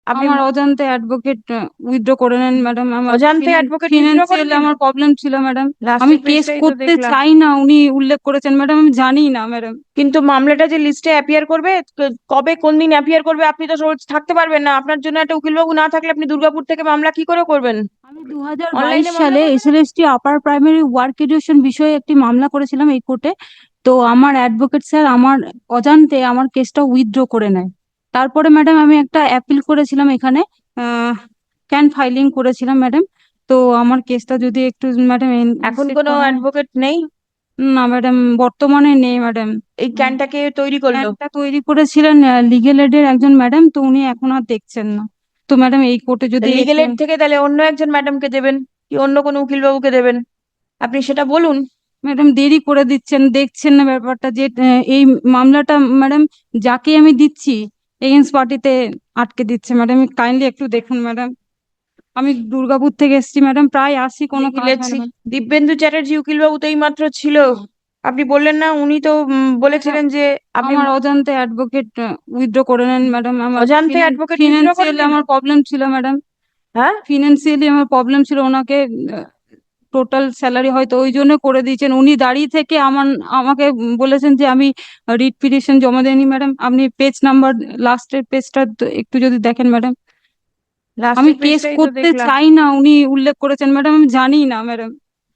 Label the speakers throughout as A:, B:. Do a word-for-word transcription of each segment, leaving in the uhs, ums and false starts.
A: আপনি
B: আমার অজান্তে অ্যাডভোকেট উইথড্র করে নেন ম্যাডাম। আমার
A: অজান্তে অ্যাডভোকেট উইথড্র করে
B: ফিনান্সিয়ালি
A: নিল?
B: আমার প্রবলেম ছিল ম্যাডাম। আমি
A: লাস্টের
B: কেস
A: পেজটাই তো
B: করতে
A: দেখলাম।
B: চাই না, উনি উল্লেখ করেছেন ম্যাডাম, আমি জানি না ম্যাডাম।
A: কিন্তু মামলাটা যে লিস্টে অ্যাপিয়ার করবে, ক- কবে কোন দিন অ্যাপিয়ার করবে আপনি তো রোজ থাকতে পারবেন না। আপনার জন্য একটা উকিলবাবু না থাকলে আপনি দুর্গাপুর থেকে মামলা কি করে করবেন?
B: আমি দু হাজার বাইশ
A: অনলাইনে মামলা
B: সালে
A: করবেন আপনি?
B: SLST upper primary work education বিষয়ে একটি মামলা করেছিলাম এই কোর্টে। তো আমার অ্যাডভোকেট স্যার আমার অজান্তে আমার কেসটা উইথড্র করে নেয়। তারপরে ম্যাডাম আমি একটা অ্যাপিল করেছিলাম এখানে, ক্যান ফাইলিং করেছিলাম ম্যাডাম। তো আমার কেসটা যদি একটু ম্যাডাম
A: এখন
B: ইনস্টেট
A: কোনো
B: করা হয়।
A: অ্যাডভোকেট নেই?
B: না ম্যাডাম, বর্তমানে নেই ম্যাডাম।
A: এই ক্যানটাকে তৈরি করলো?
B: প্ল্যানটা তৈরি করেছিলেন লিগেল এডের একজন ম্যাডাম, তো উনি এখন আর দেখছেন না। তো ম্যাডাম এই কোর্টে যদি
A: লিগেল
B: একটু
A: এড থেকে তাহলে অন্য একজন ম্যাডামকে দেবেন, কি অন্য কোনো উকিলবাবুকে দেবেন? আপনি সেটা বলুন।
B: ম্যাডাম দেরি করে দিচ্ছেন, দেখছেন না ব্যাপারটা যে আহ, এই মামলাটা ম্যাডাম যাকে আমি দিচ্ছি এগেন্স্ট পার্টিতে আটকে দিচ্ছে ম্যাডাম, কাইন্ডলি একটু দেখুন ম্যাডাম। আমি দুর্গাপুর থেকে এসেছি ম্যাডাম, প্রায় আসি কোনো
A: দেখি
B: কাজ হয়
A: লেটসি।
B: না।
A: দিব্যেন্দু চ্যাটার্জি উকিলবাবু তো এই মাত্র ছিল। আপনি বললেন না উনি তো উম,
B: ম্যাডাম
A: বলেছিলেন যে আপনি
B: আমার অজান্তে অ্যাডভোকেট উইথড্র করে নেন ম্যাডাম। আমার
A: অজান্তে অ্যাডভোকেট উইথড্র করে
B: ফিনান্সিয়ালি
A: নিল?
B: আমার প্রবলেম ছিল ম্যাডাম।
A: হ্যাঁ।
B: ফিনান্সিয়ালি আমার প্রবলেম ছিল, ওনাকে টোটাল স্যালারি হয়তো ওই জন্য করে দিয়েছেন। উনি দাঁড়িয়ে থেকে আমার আমাকে বলেছেন যে আমি রিট পিটিশন জমা দেয়নি ম্যাডাম। আপনি পেজ নাম্বার লাস্টের পেজটা একটু যদি দেখেন ম্যাডাম। আমি
A: লাস্টের
B: কেস
A: পেজটাই তো
B: করতে
A: দেখলাম।
B: চাই না, উনি উল্লেখ করেছেন ম্যাডাম, আমি জানি না ম্যাডাম।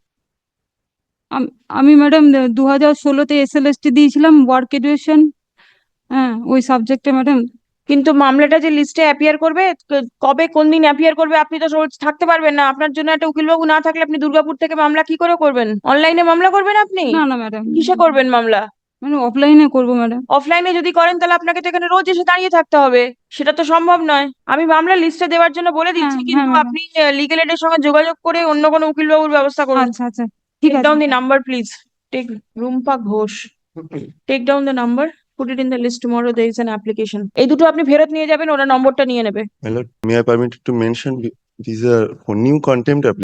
B: আম- আমি ম্যাডাম দু হাজার ষোলোতে এসএলএসটি দিয়েছিলাম ওয়ার্ক এডুকেশন, হ্যাঁ ওই সাবজেক্টে ম্যাডাম।
A: কিন্তু মামলাটা যে লিস্টে অ্যাপিয়ার করবে, ক- কবে কোন দিন অ্যাপিয়ার করবে আপনি তো রোজ থাকতে পারবেন না। আপনার জন্য একটা উকিলবাবু না থাকলে আপনি দুর্গাপুর থেকে মামলা কি করে করবেন? অনলাইনে মামলা করবেন আপনি?
B: না না ম্যাডাম,
A: কিসে করবেন মামলা?
B: মানে অফলাইনে করবো ম্যাডাম।
A: অফলাইনে যদি করেন তাহলে আপনাকে তো এখানে রোজ এসে দাঁড়িয়ে থাকতে হবে। সেটা তো সম্ভব নয়। আমি মামলা লিস্টে দেওয়ার জন্য বলে
B: হ্যাঁ
A: দিচ্ছি,
B: হ্যাঁ
A: কিন্তু
B: ম্যাডাম।
A: আপনি লিগেল এডের সঙ্গে যোগাযোগ করে অন্য কোনো উকিলবাবুর ব্যবস্থা করুন।
B: আচ্ছা আচ্ছা, ঠিক
A: টেক
B: আছে।
A: Down the number please. Take Rumpa Ghosh. Take down the number. Put it in the list tomorrow there is an application. এই দুটো আপনি ফেরত নিয়ে যাবেন, ওরা নম্বরটা নিয়ে নেবে।
C: My lord, may I permit to mention these are for new contempt applications.